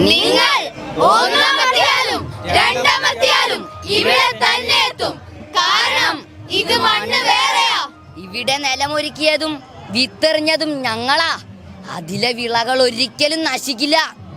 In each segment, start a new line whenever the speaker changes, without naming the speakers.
നിങ്ങൾ ഒന്നാമത്തെയാലും രണ്ടാമത്തെയാലും ഇവിടെ തന്നെ എത്തും. കാരണം ഇത് മണ്ണ് വേറെയാ.
ഇവിടെ നിലമൊരുക്കിയതും വിത്തെറിഞ്ഞതും ഞങ്ങളാ. അതിലെ വിളകൾ ഒരിക്കലും നശിക്കില്ല.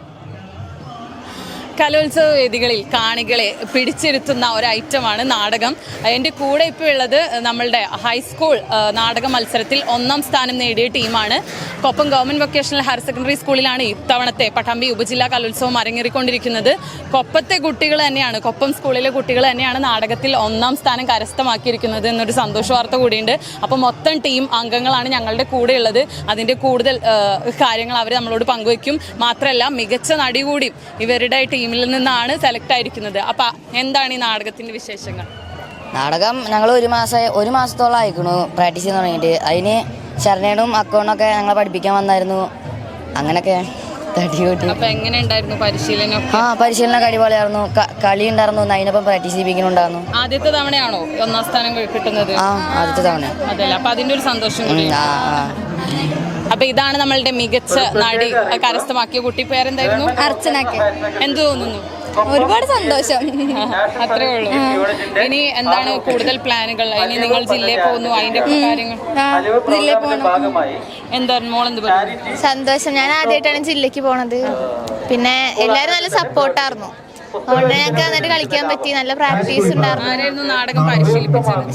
കലോത്സവ വേദികളിൽ കാണികളെ പിടിച്ചിരുത്തുന്ന ഒരു ഐറ്റമാണ് നാടകം. എൻ്റെ കൂടെ ഇപ്പോൾ ഉള്ളത് നമ്മളുടെ ഹൈസ്കൂൾ നാടക മത്സരത്തിൽ 1ാം സ്ഥാനം നേടിയ ടീമാണ്. Koppam government vocational higher secondary സ്കൂളിലാണ് ഇത്തവണത്തെ പട്ടാമ്പി ഉപജില്ലാ കലോത്സവം അരങ്ങേറിക്കൊണ്ടിരിക്കുന്നത്. കൊപ്പത്തെ കുട്ടികൾ തന്നെയാണ്, കൊപ്പം സ്കൂളിലെ കുട്ടികൾ തന്നെയാണ് നാടകത്തിൽ 1ാം സ്ഥാനം കരസ്ഥമാക്കിയിരിക്കുന്നത് എന്നൊരു സന്തോഷ വാർത്ത കൂടിയുണ്ട്. അപ്പോൾ മൊത്തം ടീം അംഗങ്ങളാണ് ഞങ്ങളുടെ കൂടെ ഉള്ളത്. അതിൻ്റെ കൂടുതൽ കാര്യങ്ങൾ അവർ നമ്മളോട് പങ്കുവയ്ക്കും. മാത്രമല്ല മികച്ച നടി കൂടി ഇവരുടെ ടീമിൽ നിന്നാണ് സെലക്ട് ആയിരിക്കുന്നത്. അപ്പം എന്താണ് ഈ നാടകത്തിൻ്റെ വിശേഷങ്ങൾ?
നാടകം ഞങ്ങൾ ഒരു മാസത്തോളം ആയിക്കണു പ്രാക്ടീസ് ചെയ്യാൻ തുടങ്ങിയിട്ട്. അതിന് ശരണേടും അക്കൗണ്ടൊക്കെ ഞങ്ങളെ പഠിപ്പിക്കാൻ വന്നായിരുന്നു. അങ്ങനെയൊക്കെ തടികൂട്ടി.
അപ്പം എങ്ങനെ ഉണ്ടായിരുന്നു പരിശീലനം?
പരിശീലനം അടിപൊളിയായിരുന്നു. കളി ഉണ്ടായിരുന്നു, അതിനൊപ്പം പ്രാക്ടീസ് ചെയ്യിപ്പിക്കുന്നുണ്ടായിരുന്നു.
ആദ്യത്തെ തവണയാണോ 1ാം സ്ഥാനം കിട്ടുന്നത്?
ആദ്യത്തെ തവണ.
അതല്ല, അപ്പം അതിൻ്റെ ഒരു സന്തോഷം കൂടി. അപ്പൊ ഇതാണ് നമ്മളുടെ മികച്ച നടി കരസ്ഥമാക്കിയ കുട്ടി. പേരെന്തായിരുന്നു?
അർച്ചനക്ക്.
എന്ത് തോന്നുന്നു?
ഒരുപാട് സന്തോഷം.
അത്രേ ഉള്ളൂ. ഇനി എന്താണ് കൂടുതൽ പ്ലാനുകൾ? ഇനി നിങ്ങൾ ജില്ലയിൽ പോകുന്നു, അതിന്റെ കാര്യങ്ങൾ?
ജില്ലയിൽ പോകണം.
എന്താണ് മോളെന്ത് പറഞ്ഞു?
സന്തോഷം. ഞാൻ ആദ്യമായിട്ടാണ് ജില്ലക്ക് പോണത്. പിന്നെ എല്ലാരും നല്ല സപ്പോർട്ടായിരുന്നു. അതുകൊണ്ട് ഞങ്ങൾക്ക് നന്നായിട്ട് കളിക്കാൻ പറ്റി. നല്ല പ്രാക്ടീസ് ഉണ്ടായിരുന്നു.
ആരായിരുന്നു നാടകം പരിശീലിപ്പിച്ചത്?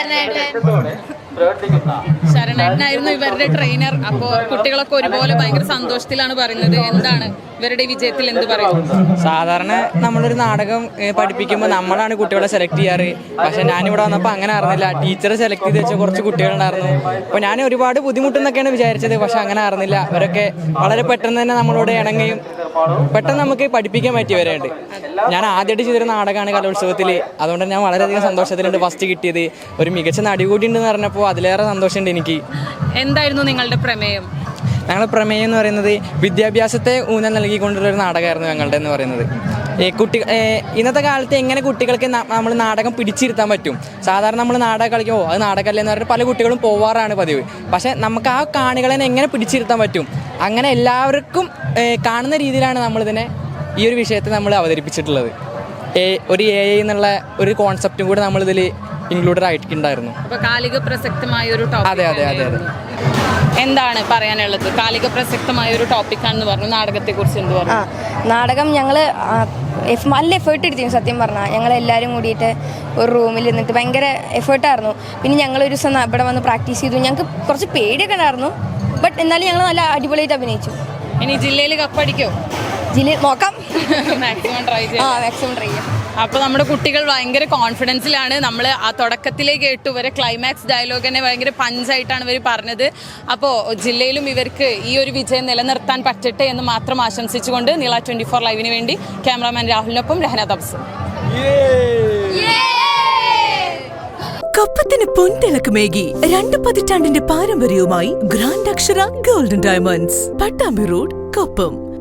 ശരണേട്ടനായിരുന്നു ഇവരുടെ ട്രെയിനർ. അപ്പോൾ കുട്ടികളൊക്കെ ഒരുപോലെ ഭയങ്കര സന്തോഷത്തിലാണ് പറയുന്നത്. എന്താണ് ഇവരുടെ വിജയത്തിൽ എന്ത് പറയും?
സാധാരണ നമ്മളൊരു നാടകം പഠിപ്പിക്കുമ്പോൾ നമ്മളാണ് കുട്ടികളെ സെലക്ട് ചെയ്യാറ്. പക്ഷെ ഞാനിവിടെ വന്നപ്പോൾ അങ്ങനെ അറിഞ്ഞില്ല. ടീച്ചറെ സെലക്ട് ചെയ്ത് വെച്ച കുറച്ച് കുട്ടികളുണ്ടായിരുന്നു. അപ്പോൾ ഞാൻ ഒരുപാട് ബുദ്ധിമുട്ടെന്നൊക്കെയാണ് വിചാരിച്ചത്. പക്ഷെ അങ്ങനെ അറിഞ്ഞില്ല. അവരൊക്കെ വളരെ പെട്ടെന്ന് തന്നെ നമ്മളോട് ഇണങ്ങുകയും പെട്ടെന്ന് നമുക്ക് പഠിപ്പിക്കാൻ പറ്റിയവരുണ്ട്. ഞാൻ ആദ്യമായിട്ട് ചെയ്തൊരു നാടകമാണ് കലോത്സവത്തിൽ. അതുകൊണ്ട് ഞാൻ വളരെയധികം സന്തോഷത്തിലുണ്ട്. ഫസ്റ്റ് കിട്ടിയത് ഒരു മികച്ച നടി കൂടി ഉണ്ടെന്ന് പറഞ്ഞപ്പോൾ അതിലേറെ സന്തോഷമുണ്ട് എനിക്ക്.
എന്തായിരുന്നു നിങ്ങളുടെ പ്രമേയം?
ഞങ്ങളുടെ പ്രമേയം എന്ന് പറയുന്നത് വിദ്യാഭ്യാസത്തെ ഊന്നൽ നൽകിക്കൊണ്ടുള്ളൊരു നാടകമായിരുന്നു ഞങ്ങളുടെ എന്ന് പറയുന്നത്. ഇന്നത്തെ കാലത്ത് എങ്ങനെ കുട്ടികൾക്ക് നമ്മൾ നാടകം പിടിച്ചിരുത്താൻ പറ്റും. സാധാരണ നമ്മൾ നാടകം കളിക്കുമ്പോൾ അത് നാടകമല്ലേ എന്ന് പറഞ്ഞിട്ട് പല കുട്ടികളും പോവാറാണ് പതിവ്. പക്ഷേ നമുക്ക് ആ കാണികളെ എങ്ങനെ പിടിച്ചിരുത്താൻ പറ്റും, അങ്ങനെ എല്ലാവർക്കും കാണുന്ന രീതിയിലാണ് നമ്മളിതിനെ ഈ ഒരു വിഷയത്തെ നമ്മൾ അവതരിപ്പിച്ചിട്ടുള്ളത്. ഒരു AI എന്നുള്ള ഒരു കോൺസെപ്റ്റും കൂടി നമ്മളിതിൽ ഇൻക്ലൂഡഡ് ആയിട്ടുണ്ടായിരുന്നു.
അപ്പോൾ കാലിക പ്രസക്തമായ ഒരു ടോപ്പിക്.
അതെ അതെ അതെ അതെ.
എന്താണ് പറയാനുള്ളത്? കാലിക പ്രസക്തമായ ഒരു ടോപ്പിക്കാണെന്ന് പറഞ്ഞു. നാടകത്തെക്കുറിച്ച് എന്ത് പറഞ്ഞു?
നാടകം ഞങ്ങൾ നല്ല എഫേർട്ട് എടുത്തിരുന്നു. സത്യം പറഞ്ഞാൽ ഞങ്ങളെല്ലാവരും കൂടിയിട്ട് ഒരു റൂമിൽ നിന്നിട്ട് ഭയങ്കര എഫേർട്ടായിരുന്നു. പിന്നെ ഞങ്ങളൊരു ദിവസം ഇവിടെ വന്ന് പ്രാക്ടീസ് ചെയ്തു. ഞങ്ങൾക്ക് കുറച്ച് പേടിയൊക്കെ ഉണ്ടായിരുന്നു. ബട്ട് എന്നാലും ഞങ്ങൾ നല്ല അടിപൊളിയായിട്ട് അഭിനയിച്ചു.
ഇനി ജില്ലയിൽ കപ്പടിക്കോ?
ജില്ലയിൽ നോക്കാം.
മാക്സിമം ട്രൈ ചെയ്യാം. അപ്പോൾ നമ്മുടെ കുട്ടികൾ ഭയങ്കര കോൺഫിഡൻസിലാണ്. നമ്മൾ ആ തുടക്കത്തിലേ കേട്ടു വരെ ക്ലൈമാക്സ് ഡയലോഗ് തന്നെ ഭയങ്കര പഞ്ചായിട്ടാണ് ഇവർ പറഞ്ഞത്. അപ്പോൾ ജില്ലയിലും ഇവർക്ക് ഈ ഒരു വിജയം നിലനിർത്താൻ പറ്റട്ടെ എന്ന് മാത്രം ആശംസിച്ചുകൊണ്ട് നീള 24 ലൈവിന് വേണ്ടി ക്യാമറാമാൻ രാഹുലിനൊപ്പം രഹന തബ്സ്.
കൊപ്പത്തിന് പൊൻതിളക്കമേകി 2 പതിറ്റാണ്ടിന്റെ പാരമ്പര്യവുമായി grand Akshara golden diamonds, Pattambi road, Koppam.